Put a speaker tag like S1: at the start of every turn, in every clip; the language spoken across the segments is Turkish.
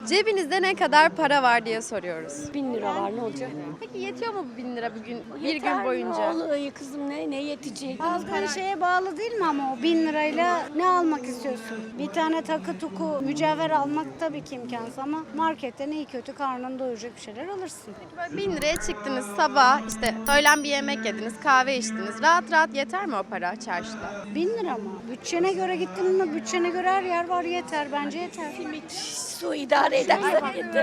S1: Cebinizde ne kadar para var diye soruyoruz.
S2: 1000 lira var, ne olacak?
S1: Peki yetiyor mu bu 1000 lira bir
S2: Yeter
S1: gün
S2: mi
S1: boyunca?
S2: oğlum, kızım ne yetecek?
S3: Aldığın şeye bağlı değil mi ama o 1000 lirayla ne almak istiyorsun? Bir tane takı tuku mücevher almak tabii ki imkansız ama marketten iyi kötü karnını doyuracak bir şeyler alırsın.
S1: Böyle 1000 liraya çıktınız sabah işte öğlen bir yemek yediniz, kahve içtiniz. Rahat rahat yeter mi o para çarşıda?
S3: 1000 lira mı? Bütçene göre gittin mi? Bütçene göre her yer var, yeter. Bence yeter.
S2: Su idare edersen yeter.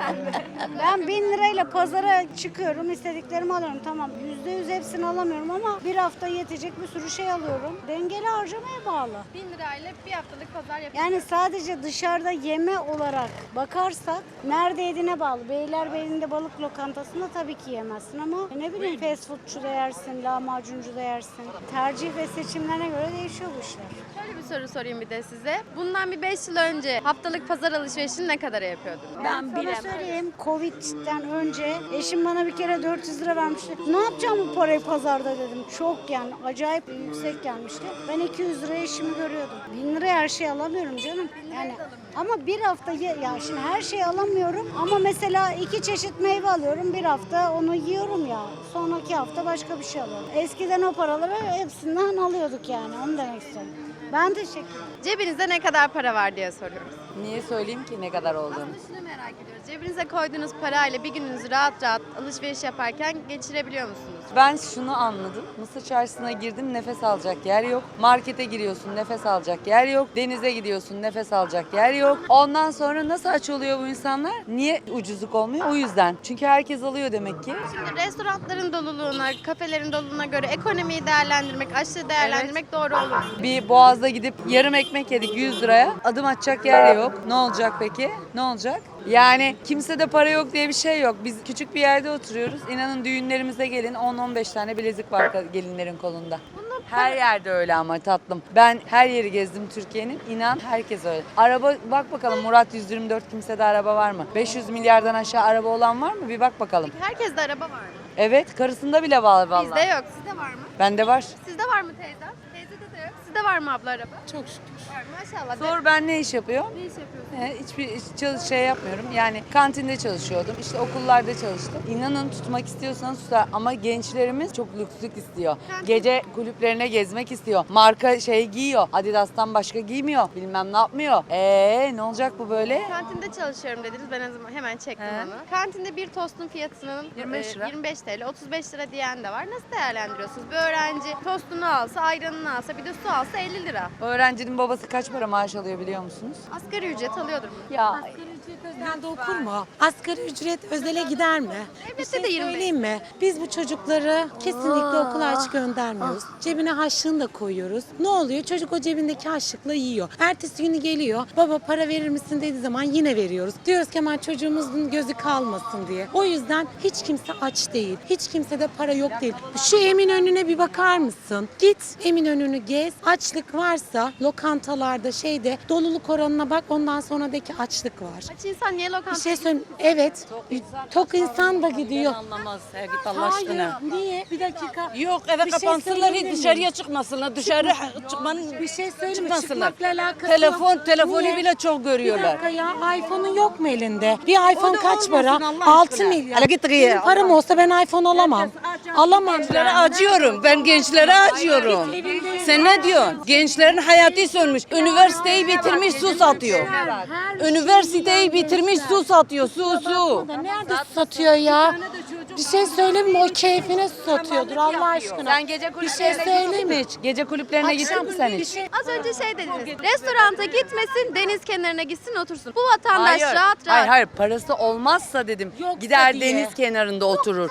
S3: Ben 1000 lirayla pazara çıkıyorum, istediklerimi alıyorum. Tamam, %100 hepsini alamıyorum ama bir hafta yetecek bir sürü şey alıyorum. Dengeli harcamaya bağlı.
S1: 1000 lirayla bir haftalık pazar yapıyorsunuz.
S3: Yani sadece dışarıda yeme olarak bakarsak nerede yediğine bağlı. Beylerbeyi'nde balık lokantasında tabii ki yemezsin ama ne bileyim fast foodçu da yersin, lahmacuncu da yersin. Tercih ve seçimlerine göre değişiyor bu işler.
S1: Şöyle bir soru sorayım bir de size. Bundan bir 5 yıl önce haftalık pazar alışverişini ne kadar yapıyordunuz?
S2: Ben
S3: Sana
S2: bilemem.
S3: söyleyeyim, Covid'den önce eşim bana bir kere 400 lira vermişti. Ne yapacağım bu parayı pazarda dedim. Çok yani acayip yüksek gelmişti. Ben 200 liraya eşimi görüyordum. 1000 liraya her şeyi alamıyorum canım. Yani ama bir hafta ya şimdi her şeyi alamıyorum ama mesela 2 çeşit meyve alıyorum. Bir hafta onu yiyorum ya. Sonraki hafta başka bir şey alıyorum. Eskiden o paraları hepsinden alıyorduk yani. Onu demek istiyorum. Ben teşekkür ederim.
S1: Cebinizde ne kadar para var diye soruyoruz.
S4: Niye söyleyeyim ki ne kadar olduğunu?
S1: Aslında şunu merak ediyoruz. Cebinize koyduğunuz parayla bir gününüzü rahat rahat alışveriş yaparken geçirebiliyor musunuz?
S4: Ben şunu anladım. Mısır çarşısına girdim, nefes alacak yer yok. Markete giriyorsun, nefes alacak yer yok. Denize gidiyorsun, nefes alacak yer yok. Ondan sonra nasıl aç oluyor bu insanlar? Niye ucuzluk olmuyor? O yüzden. Çünkü herkes alıyor demek ki.
S1: Şimdi restoranların doluluğuna, kafelerin doluluğuna göre ekonomiyi değerlendirmek, açlığı değerlendirmek doğru olur mu?
S4: Bir Boğaz'da gidip yarım ekmek yedik 100 liraya. Adım atacak yer yok. Ne olacak peki? Ne olacak? Yani kimsede para yok diye bir şey yok. Biz küçük bir yerde oturuyoruz. İnanın düğünlerimize gelin 10-15 tane bilezik var gelinlerin kolunda. Her yerde öyle ama tatlım. Ben her yeri gezdim Türkiye'nin. İnan herkes öyle. Araba bak bakalım Murat 124 kimsede araba var mı? 500 milyardan aşağı araba olan var mı? Bir bak bakalım.
S1: Herkeste araba var mı?
S4: Evet, karısında bile var vallahi.
S1: Bizde yok. Sizde var mı?
S4: Bende var.
S1: Sizde var mı teyzem? Teyzede de yok. Sizde var mı abla araba?
S2: Çok şükür.
S1: Var maşallah.
S4: Sor ben ne iş yapıyorum?
S1: Ne iş yapıyorsun?
S4: Hiçbir şey yapmıyorum. Yani kantinde çalışıyordum. İşte okullarda çalıştım. İnanın tutmak istiyorsanız tutar. Ama gençlerimiz çok lükslük istiyor. Gece kulüplerine gezmek istiyor. Marka şey giyiyor. Adidas'tan başka giymiyor. Bilmem ne yapmıyor. Ne olacak bu böyle?
S1: Kantinde çalışıyorum dediniz. Ben hemen çektim
S4: He.
S1: onu. Kantinde bir tostun fiyatının
S4: 25 lira.
S1: 25 TL, 35 lira diyen de var. Nasıl değerlendiriyorsunuz? Bir öğrenci tostunu alsa, ayranını alsa, bir de su alsa 50 lira.
S4: Öğrencinin babası kaç para maaş alıyor biliyor musunuz?
S1: Asgari ücret alıyordur mu?
S4: Ya
S5: Özelde okur mu? Asgari ücret özele gider mi?
S1: Devlette de 25.
S5: Söyleyeyim mi? Biz bu çocukları kesinlikle okula aç göndermiyoruz. Cebine harçlığını da koyuyoruz. Ne oluyor? Çocuk o cebindeki harçlıkla yiyor. Ertesi günü geliyor. Baba para verir misin dediği zaman yine veriyoruz. Diyoruz ki aman çocuğumuzun gözü kalmasın diye. O yüzden hiç kimse aç değil. Hiç kimsede para yok değil. Şu Eminönü'ne bir bakar mısın? Git Eminönü'nü gez. Açlık varsa lokantalarda doluluk oranına bak. Ondan sonraki açlık var.
S1: Aç insan niye
S5: Bir
S1: lokantaya
S5: şey söyleyeyim. Evet. Tok insan da gidiyor.
S6: Anlamaz git Allah aşkına.
S5: Hayır. Niye? Bir dakika.
S6: Yok eve
S5: Bir şey
S6: kapansınlar
S5: söyleyebilir miyim?
S6: dışarıya çıkmasınlar. Dışarı çıkmanın
S5: Bir şey söyleyeyim mi?
S6: çıkmasınlar.
S5: Çıkmakla alakası yok.
S6: Telefonu
S5: Niye?
S6: bile çok
S5: Bir
S6: görüyorlar.
S5: dakika ya iPhone'un yok mu elinde? Bir iPhone
S6: da
S5: kaç
S6: olmasın
S5: para?
S6: Allah
S5: 6
S6: aşkına.
S5: milyar.
S6: Hele git
S5: Benim
S6: gıya.
S5: param olsa ben iPhone alamam. Alamam.
S6: Gençlere acıyorum. Ben gençlere acıyorum. Sen ne diyorsun? Gençlerin hayatı sönmüş. Üniversiteyi bitirmiş su satıyor. Üniversiteyi bitirmiş su satıyor. Su.
S5: Nerede satıyor ya? Bir şey söyleyeyim mi? O keyfine satıyordur Allah aşkına.
S4: sen gece
S5: Bir şey
S4: kulüplerine
S5: söyleyeyim
S4: gittin mi
S5: mi?
S4: hiç? Gece kulüplerine gittin mi sen
S5: Bir
S4: hiç?
S5: şey
S1: Az önce şey dediniz. Restoranta gitmesin, deniz kenarına gitsin otursun. Bu vatandaş rahat rahat.
S4: Hayır parası olmazsa dedim.
S5: Yoksa
S4: Gider
S5: diye.
S4: deniz kenarında oturur.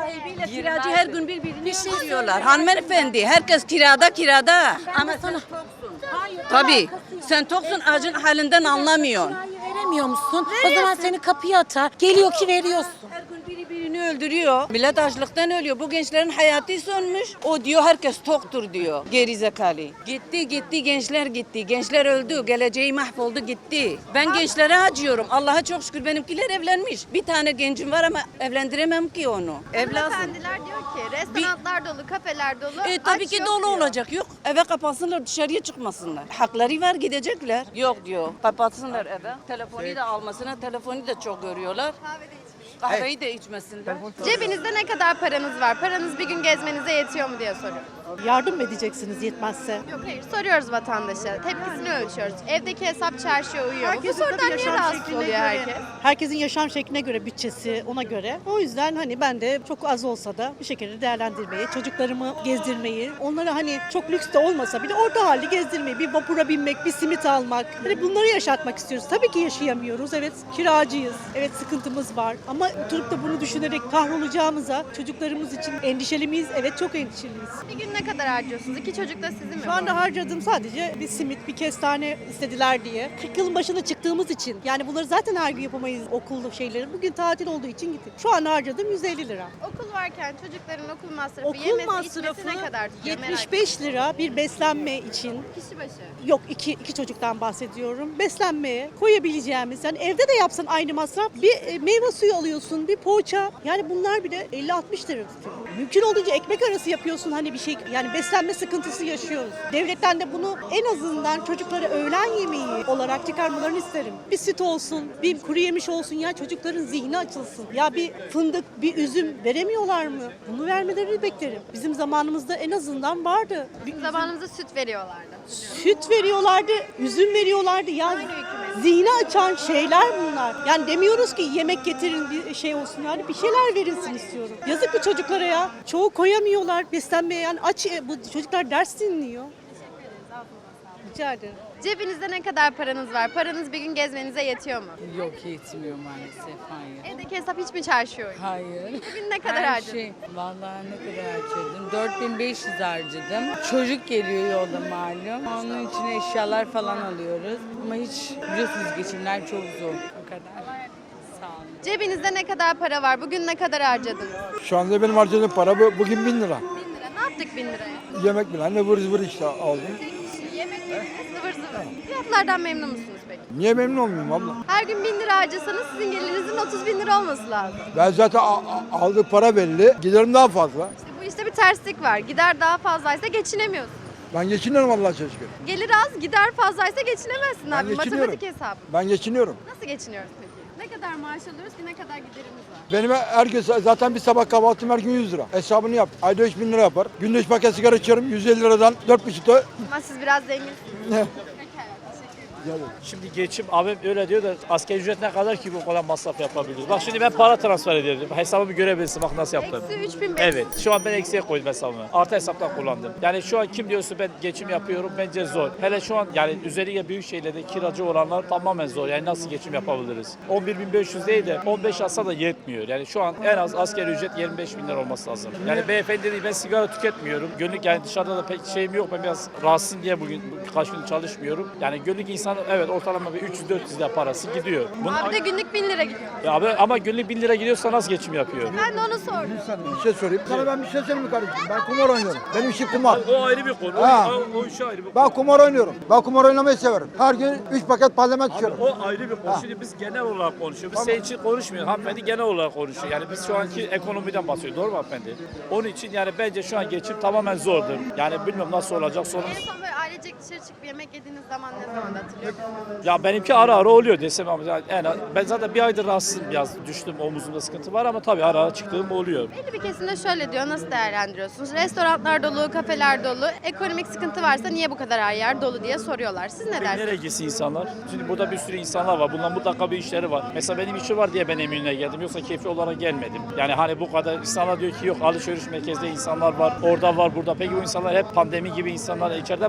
S6: Kiracı her gün birbirini öldürüyorlar. Hanımefendi herkes kirada. Ama
S5: sana...
S6: tabii sen toksun acın halinden anlamıyorsun.
S5: Veremiyor musun? O zaman seni kapıya atar. Geliyor ki veriyorsun.
S6: Her gün biri Birini öldürüyor. Millet açlıktan ölüyor. Bu gençlerin hayatı sönmüş. O diyor herkes toktur diyor. Gerizekalı. Gitti gençler gitti. Gençler öldü. Geleceği mahvoldu gitti. Ben gençlere acıyorum. Allah'a çok şükür benimkiler evlenmiş. Bir tane gencim var ama evlendiremem ki onu. Evlatsın.
S1: Hanımefendiler diyor ki restoranlar dolu, kafeler dolu.
S6: Tabii
S1: aç
S6: ki
S1: yok
S6: dolu
S1: diyor.
S6: olacak. Yok eve kapansınlar dışarıya çıkmasınlar. Hakları var gidecekler. Yok diyor kapatsınlar eve. Telefonu da almasına telefonu da çok görüyorlar. Kahveyi de içmesinler.
S1: Cebinizde ne kadar paranız var? Paranız bir gün gezmenize yetiyor mu diye soruyorum.
S7: Yardım mı edeceksiniz yetmezse?
S1: Yok hayır soruyoruz vatandaşa. Tepkisini ölçüyoruz. Evdeki hesap çarşıya uyuyor mu? Bu sorudan niye rahatsız oluyor herkes?
S7: Herkesin yaşam şekline göre, bütçesi ona göre. O yüzden hani ben de çok az olsa da bir şekilde değerlendirmeyi, çocuklarımı gezdirmeyi, onlara hani çok lüks de olmasa bile orta halde gezdirmeyi, bir vapura binmek, bir simit almak. Hani bunları yaşatmak istiyoruz. Tabii ki yaşayamıyoruz. Evet kiracıyız. Evet sıkıntımız var. Ama oturup da bunu düşünerek kahrolacağımıza çocuklarımız için endişeli miyiz? Evet çok endişeliyiz.
S1: Bir gün ne kadar harcıyorsunuz? 2 çocuk da sizin mi?
S7: Şu anda harcadığım sadece bir simit, bir kestane istediler diye. 40 yılın başına çıktığımız için. Yani bunları zaten her gün yapamayız okullu şeyleri. Bugün tatil olduğu için gittik. Şu an harcadığım 150 lira.
S1: Okul varken çocukların okul masrafı,
S7: Okul
S1: yemesi,
S7: masrafı
S1: içmesi ne kadar tutuyor? Merak
S7: 75 lira bir beslenme için.
S1: ettim. Kişi başı.
S7: Yok iki çocuktan bahsediyorum. Beslenmeye koyabileceğimiz yani evde de yapsan aynı masraf. Bir meyve suyu alıyorsun, bir poğaça. Yani bunlar bile 50-60 lira tutuyor. Mümkün olduğunca ekmek arası yapıyorsun hani bir şey. Yani beslenme sıkıntısı yaşıyoruz. Devletten de bunu en azından çocuklara öğlen yemeği olarak çıkarmalarını isterim. Bir süt olsun, bir kuru yemiş olsun ya çocukların zihni açılsın. Ya bir fındık, bir üzüm veremiyorlar mı? Bunu vermelerini beklerim. Bizim zamanımızda en azından vardı. Bir
S1: Zamanımızda süt veriyorlardı.
S7: süt veriyorlardı, üzüm veriyorlardı. Yani
S1: Aynı hükümet.
S7: zihni açan şeyler bunlar. Yani demiyoruz ki yemek getirin bir şey olsun yani bir şeyler verilsin istiyorum. Yazık bu çocuklara ya. Çoğu koyamıyorlar beslenmeye yani aç bu çocuklar ders dinliyor. Rica ederim.
S1: Cebinizde ne kadar paranız var? Paranız bir gün gezmenize yetiyor mu?
S8: Yok yetmiyor maalesef, hayır.
S1: Evdeki hesap hiç mi çarşıya uyuyor?
S8: Hayır.
S1: Bugün ne kadar
S8: Her
S1: harcadın?
S8: şey, vallahi ne kadar harcadım? 4500 harcadım. Çocuk geliyor yolda malum. Onun için eşyalar falan alıyoruz. Ama hiç biliyorsunuz geçimler çok zor. O kadar. Sağ olun.
S1: Cebinizde ne kadar para var? Bugün ne kadar harcadınız?
S9: Şu anda benim harcadığım para bugün 1000 lira.
S1: 1000 lira. Ne yaptık 1000 liraya?
S9: Yemek bile ne vır zıvır işte aldım.
S1: Yemek yediniz, zıvır zıvır. Fiyatlardan memnun musunuz peki?
S9: Niye memnun olmayayım abla?
S1: Her gün 1000 lira harcasanız sizin gelirinizin 30 bin lira olması lazım.
S9: Ben zaten aldığı para belli, giderim daha fazla.
S1: İşte bu işte bir terslik var. Gider daha fazlaysa geçinemiyorsun.
S9: Ben geçiniyorum Allah'a çok şükür.
S1: Gelir az, gider fazlaysa geçinemezsin abi.
S9: geçiniyorum.
S1: Matematik hesabı.
S9: Ben geçiniyorum.
S1: Nasıl geçiniyoruz peki? Ne kadar maaş alıyoruz ki ne kadar giderimiz var?
S9: Benim her gün zaten bir sabah kahvaltım her gün 100 lira. Hesabını yap. Ayda 3000 lira yapar. Günde 3 paket sigara içiyorum. 150 liradan 4,5'ta.
S1: Ama siz biraz zenginsiniz.
S9: Ne?
S10: Şimdi geçim abim öyle diyor da asgari ücret ne kadar ki bu kadar masraf yapabiliriz? Bak şimdi ben para transfer ediyorum. Hesabımı görebilirsin bak nasıl yaptım.
S1: Eksi 3500.
S10: Evet şu an ben eksiye koydum hesabımı. Artı hesaptan kullandım. Yani şu an kim diyorsa ben geçim yapıyorum bence zor. Hele şu an yani özellikle büyük şehirlerde kiracı olanlar tamamen zor. Yani nasıl geçim yapabiliriz? 11.500 değil de 15 alsa da yetmiyor. Yani şu an en az asgari ücret 25.000 lira olması lazım. Yani beyefendi dedi ben sigara tüketmiyorum. Günlük yani dışarıda da pek şeyim yok. Ben biraz rahatsızım diye bugün birkaç gün çalışmıyorum. Yani günlük insan evet ortalama bir 300-400 lira parası gidiyor.
S1: Abi de günlük 1000 lira gidiyor.
S10: Ya abi, ama günlük 1000 lira gidiyorsa nasıl geçim yapıyor?
S1: Ben de onu sordum.
S9: Bir şey sorayım. Sana ben bir şey söyleyeyim mi kardeşim? Ben kumar oynuyorum. Benim işim kumar.
S10: O ayrı bir konu.
S9: Ha.
S10: O iş ayrı bir konu.
S9: Ben kumar oynuyorum. Ben kumar oynamayı severim. Her gün 3 paket parlament içiyorum.
S10: O ayrı bir konu. Şimdi biz genel olarak konuşuyoruz. Biz senin için konuşmuyoruz. Hanımefendi genel olarak konuşuyor. Yani biz şu anki ekonomiden bahsediyoruz. Doğru mu hanımefendi? Onun için yani bence şu an geçim tamamen zordur. Yani bilmiyorum nasıl olacak sorun.
S1: En son böyle ailecek dışarı çıkıp yemek yediğiniz zaman ne zaman hatırlıyor musunuz?
S10: Ya benimki ara ara oluyor desem ama yani ben zaten bir aydır rahatsızım biraz düştüm omuzumda sıkıntı var ama tabii ara ara çıktığım oluyor.
S1: Belli bir kesimde şöyle diyor, nasıl değerlendiriyorsunuz? Restoranlar dolu, kafeler dolu, ekonomik sıkıntı varsa niye bu kadar her yer dolu diye soruyorlar. Siz ne dersiniz?
S10: Nereye gitsin insanlar? Şimdi burada bir sürü insanlar var. Bunların mutlaka bir işleri var. Mesela benim işim var diye ben Eminönü'ne geldim. Yoksa keyfi olarak gelmedim. Yani hani bu kadar insanlar diyor ki yok alışveriş merkezinde insanlar var. Orada var burada. Peki bu insanlar hep pandemi gibi insanlar içeride mi kalsın?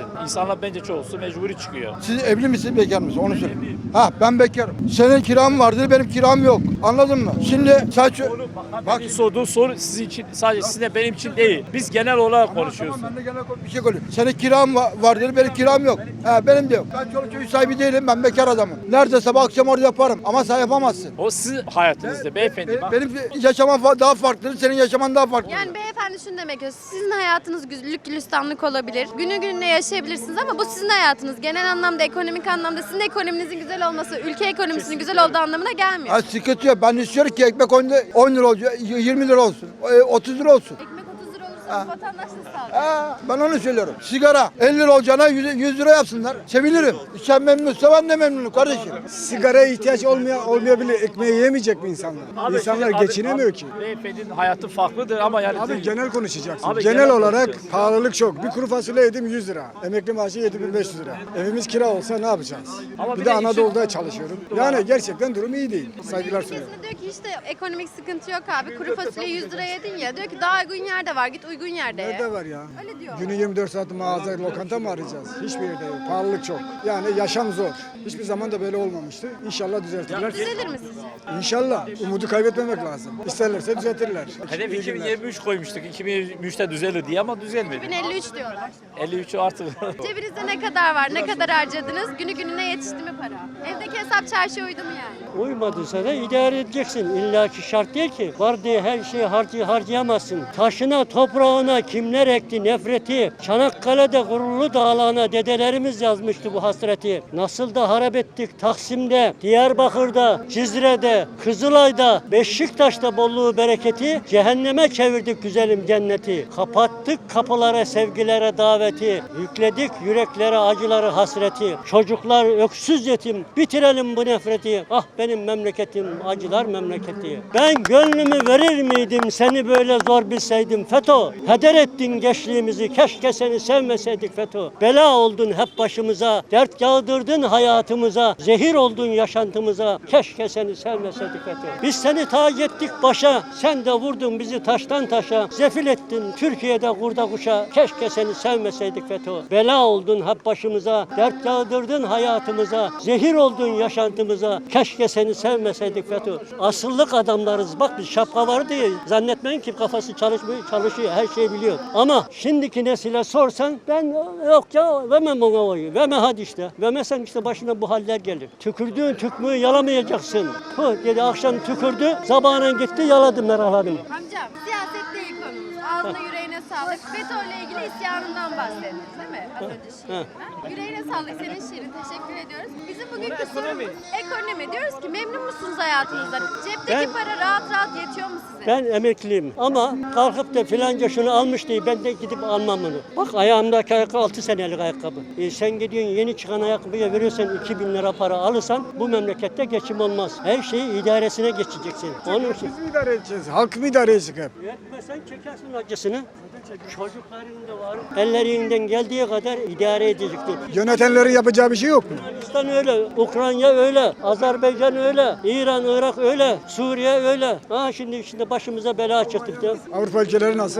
S10: İnsanlar bence çoğusu mecburi çıkıyor.
S9: Siz evli misiniz, bekar mısınız? Onu söyle. Ha, ben bekarım. Senin kiram vardır, benim kiram yok. Anladın mı? Şimdi sadece...
S10: Bak sorduğum soru sizin için, sadece sizin benim için değil. Biz genel olarak konuşuyoruz.
S9: Tamam, ben de genel bir şey konuşuyorum. Senin kiram vardır, benim kiram yok. Ha, benim de yok. Ben çoluk çocuk sahibi değilim, ben bekar adamım. Nerede sabah akşam orada yaparım ama sen yapamazsın.
S10: O sizin hayatınızda beyefendi. Bak,
S9: Benim yaşamam daha farklı, senin yaşaman daha farklı.
S1: Yani beyefendi şunu demek istiyor. Sizin hayatınız güllük gülistanlık olabilir. Günü gününe yaşayabilirsiniz ama bu sizin hayatınız. Genel anlamda, ekonomik anlamda sizin ekonominizin güzel olması, ülke ekonomisinin güzel olduğu anlamına gelmiyor.
S9: Ha, sıkıntı yok. Ben istiyorum ki ekmek 10 lira olacak, 20 lira olsun, 30 lira olsun.
S1: Ekmek 30 lira olursa vatandaş nasıl alacak?
S9: Ha, ben onu söylüyorum. Sigara 50 lira olacağına 100 lira yapsınlar. Sevinirim. Sen memnunsa ben de memnunum kardeşim.
S11: Sigaraya ihtiyaç olmayabilir. Ekmeği yemeyecek mi insanlar?
S10: Abi,
S11: İnsanlar
S10: şimdi
S11: geçinemiyor ki.
S10: Beyefendinin hayatı farklıdır ama yani...
S11: Abi genel konuşacaksın.
S10: Abi,
S11: genel
S10: genel
S11: olarak
S10: konuşuyoruz.
S11: pahalılık çok. Bir kuru fasulye yedim 100 lira. Emekli maaşı 7500 lira. Evimiz kira olsa ne yapacağız?
S10: Ama
S11: bir
S10: bir
S11: de
S10: de
S11: Anadolu'da çalışıyorum. Yani gerçekten durum iyi değil. Saygılar sunuyorum.
S1: Ülkesinde diyor ki işte ekonomik sıkıntı yok abi. Kuru fasulye 100 lira yedin ya. Diyor ki daha uygun yerde var. Git uygun yerde ye.
S11: Nerede var ya?
S1: Öyle diyor.
S11: Günü 24 saat mağaza, lokanta mı arayacağız? Hiçbir yerde yok. Pahalılık çok. Yani yaşam zor. Hiçbir zaman da böyle olmamıştı. İnşallah düzeltirler.
S1: Düzelir mi sizce?
S11: İnşallah. Umudu kaybetmemek lazım. İsterlerse düzeltirler.
S10: Hedef
S11: İyi günler.
S10: 2023 koymuştuk. 2023'te düzelir diye ama düzelmedi.
S1: 2053 diyorlar.
S10: 53'ü artık.
S1: Cebinizde ne kadar var? Ne kadar harcadınız? Günü gününe yetişti mi para? Evdeki hesap çarşıya uydu mu yani?
S12: Uymadıysa da idare edeceksin. İlla ki şart değil ki. Var diye her şeyi harcayamazsın. Taşına, toprağına kimler ekti nefreti. Çanakkale'de gururlu dağlarına dedelerimiz yazmıştı bu hasreti. Nasıl da harap ettik Taksim'de, Diyarbakır'da, Cizre'de, Kızılay'da, Beşiktaş'ta bolluğu bereketi. Cehenneme çevirdik güzelim cenneti. Kapattık kapılara sevgilere daveti. Yükledik yüreklere acıları hasreti. Çocuklar öksüz yetim. Bitirelim bu nefreti. Ah benim memleketim acılar memleketi. Ben gönlümü verir miydim seni böyle zor bilseydim FETÖ. Heder ettin gençliğimizi keşke seni sevmeseydik FETÖ. Bela oldun hep başımıza. Dert yağdırdın hayatımıza. Zehir oldun yaşantımıza. Keşke seni sevmeseydik FETÖ. Biz seni tac ettik başa. Sen de vurdun bizi taştan taşa. Zefil ettin Türkiye'de kurda kuşa. Keşke seni sevmeseydik FETÖ. Bela oldun hep başımıza. Dert yağdırdın hayatımıza. Zehir oldun yaşantımıza. Keşke seni sevmeseydik FETÖ. Asıllık adamlarız. Bak biz şapka var diye zannetmeyin ki kafası çalışıyor. Her şeyi biliyor. Ama şimdiki nesile sorsan ben yok ya vermem ona oyu. Verme hadi işte. Vermezsen işte başına bu haller gelir. Tükürdüğün tükmüğü yalamayacaksın. Dedi akşam tükürdü. Sabahına gitti yaladı Meral Hanım.
S1: Amcam siyaset değil konumuz. Ağzına yüreğine sağlık. FETÖ ile ilgili isyanından bahsettiniz değil mi? Az önce şiirinden. Yüreğine sağlık senin şiirin. Teşekkür ediyoruz. Bizim bugünkü sorumuz ekonomi. Diyoruz ki memnun musunuz hayatınızdan? Cepteki para rahat rahat yetiyor mu size?
S12: Ben emekliyim ama kalkıp da filanca şunu almış diye ben de gidip almam bunu. Bak ayağımdaki ayakkabı 6 senelik ayakkabı. Sen gidiyorsun yeni çıkan ayakkabıya veriyorsan 2000 lira para alırsan bu memlekette geçim olmaz. Her şeyi idaresine geçeceksin. Onun için.
S11: Biz mi idare edeceğiz? Halk mı idare edecek hep?
S12: Yetmesen çekersin acısını. Çocukların da var. Ellerinden geldiği kadar idare edecektir.
S11: Yönetenlerin yapacağı bir şey yok mu?
S12: Yunanistan öyle, Ukrayna öyle, Azerbaycan öyle, İran, Irak öyle, Suriye öyle. Ha şimdi başımıza bela çıktık da.
S11: Avrupa ülkeleri nasıl?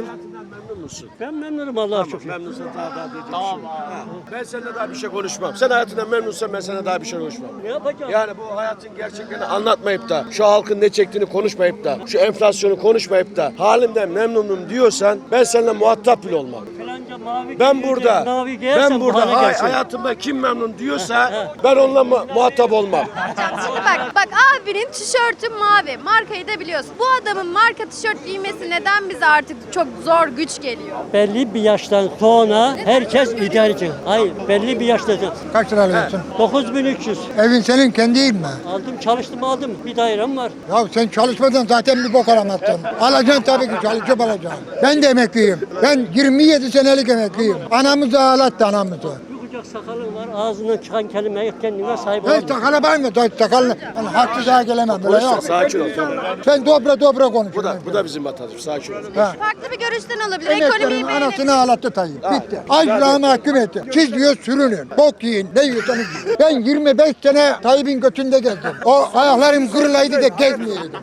S12: Ben memnunum Allah'a şükür.
S13: Memnunsan daha tamam. Ben seninle daha bir şey konuşmam. Sen hayatından memnunsan ben seninle daha bir şey konuşmam.
S12: Ne yapacağım?
S13: Yani bu hayatın gerçeklerini anlatmayıp da, şu halkın ne çektiğini konuşmayıp da, şu enflasyonu konuşmayıp da, halimden memnunum diyorsan ben seninle muhatap bile olmam.
S12: Falanca mavi
S13: Ben
S12: giyince,
S13: burada,
S12: mavi giyersen
S13: ben
S12: bu
S13: burada
S12: hale gelsin.
S13: hayatımda kim memnun diyorsa ben onunla muhatap olmam.
S1: Şimdi bak abinin tişörtü mavi. Markayı da biliyorsun. Bu adamın marka tişört giymesi neden bize artık çok zor güç geliyor?
S12: Belli bir yaştan sonra herkes idareci. Hayır, belli bir yaştan sonra.
S9: Kaç lira alıyorsun?
S12: 9300.
S9: Evin senin kendi değil mi?
S12: Aldım, çalıştım aldım. Bir dairem var.
S9: Ya sen çalışmadan zaten bir bok alamazsın. Alacaksın tabii ki çalışıp alacaksın. Ben de emekliyim. Ben 27 senelik emekliyim. Anamızı ağlattı anamızı.
S12: Bir kucak sakalın var, ağzından çıkan kelimeye kendine sahip
S9: Hiç
S12: olamıyorsun.
S9: sakala var mı? Sakalını. Yani haksızlığa gelemem. Böyle yok.
S13: Sakin ol. Tamam.
S9: Sen dobra konuş.
S13: Bu da bizim vatandaşımız. Sakin ol.
S1: Farklı bir görüşten olabilir. Ekonomiyi
S9: Emeklerin
S1: beğenir.
S9: anasını ağlattı Tayyip. Bitti. Açlığa mahkum etti. Siz diyor sürünün. Bok yiyin. Ne yiyorsanız yiyin. Ben 25 sene Tayyip'in götünde gezdim. O ayaklarım kırılaydı da gezmeyeydim.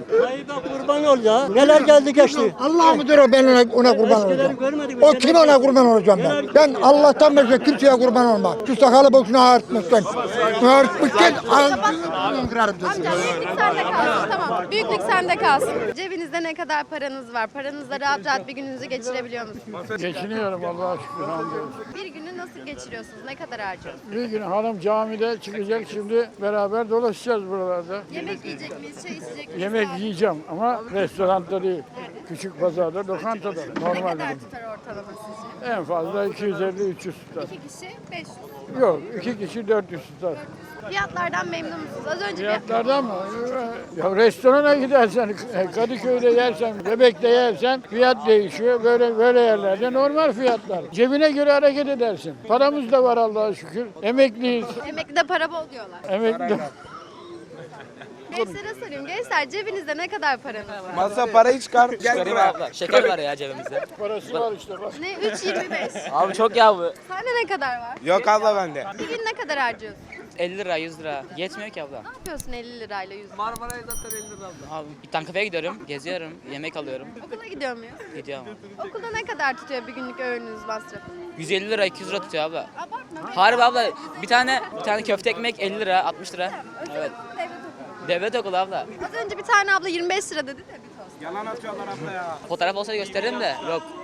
S12: Kurban ol ya. Neler geldi geçti.
S9: Allah mıdır o, ben ona kurban olacağım.
S12: görmedik mi?
S9: O kime ona kurban olacağım ben? Ben Allah'tan başka kimseye kurban olmam. Şu sakalı boşuna ağartmışsın. Ağartmışsın. Kırarım sesini.
S1: Amca büyüklük sende kalsın, tamam. Büyüklük sende kalsın. Cebinizde ne kadar paranız var? Paranızla rahat rahat bir gününüzü geçirebiliyor musunuz?
S11: Geçiniyorum Allah'a şükür.
S1: Bir günü nasıl geçiriyorsunuz? Ne kadar harcıyorsunuz?
S11: Bir gün hanım camide çıkacak, şimdi beraber dolaşacağız buralarda.
S1: Yemek yiyecek miyiz? Çay içecek miyiz?
S11: Yemek yiyeceğim ama restoranda değil. Küçük pazarda, lokantada.
S1: Ne
S11: Normal
S1: kadar
S11: dedim.
S1: tutar ortalama sizce?
S11: En fazla 250-300 tutar.
S1: 2 kişi 500.
S11: Yok, 2 kişi 400 tutar.
S1: Fiyatlardan memnun musunuz? Az önce
S11: Fiyatlardan mı? Ya restorana gidersen, Kadıköy'de yersen, Bebek'te yersen fiyat değişiyor. Böyle yerlerde normal fiyatlar. Cebine göre hareket edersin. Paramız da var Allah'a şükür. Emekliyiz.
S1: emeklide para bol diyorlar.
S11: Emekli.
S1: Gençlere sorayım. Gençler cebinizde ne kadar paranız var?
S14: Masa parayı çıkar. Çıkarayım abla. Şeker var ya cebimizde.
S11: Parası var işte bak.
S1: Ne? 3.25.
S14: Abi çok ya bu.
S1: Sende ne kadar var?
S14: Yok abla bende.
S1: Bir gün ne kadar harcıyorsun?
S14: 50 lira 100 lira. Yetmiyor ki abla.
S1: Ne yapıyorsun 50 lirayla 100 lira?
S14: Marmara'ya zaten 50 lira abla. Abi bir tane kafeye gidiyorum, geziyorum, yemek alıyorum.
S1: Okula gidiyor muyuz?
S14: Gidiyorum.
S1: Okulda ne kadar tutuyor bir günlük öğününüz masrafı?
S14: 150 lira 200 lira tutuyor abla.
S1: Abartma.
S14: Harbi abla bir tane köfte ekmek 50 lira 60 lira. Evet. Devlet okulu abla.
S1: Az önce bir tane abla 25 lira dedi de bir tost.
S14: Fotoğraf olsa gösteririm de yok.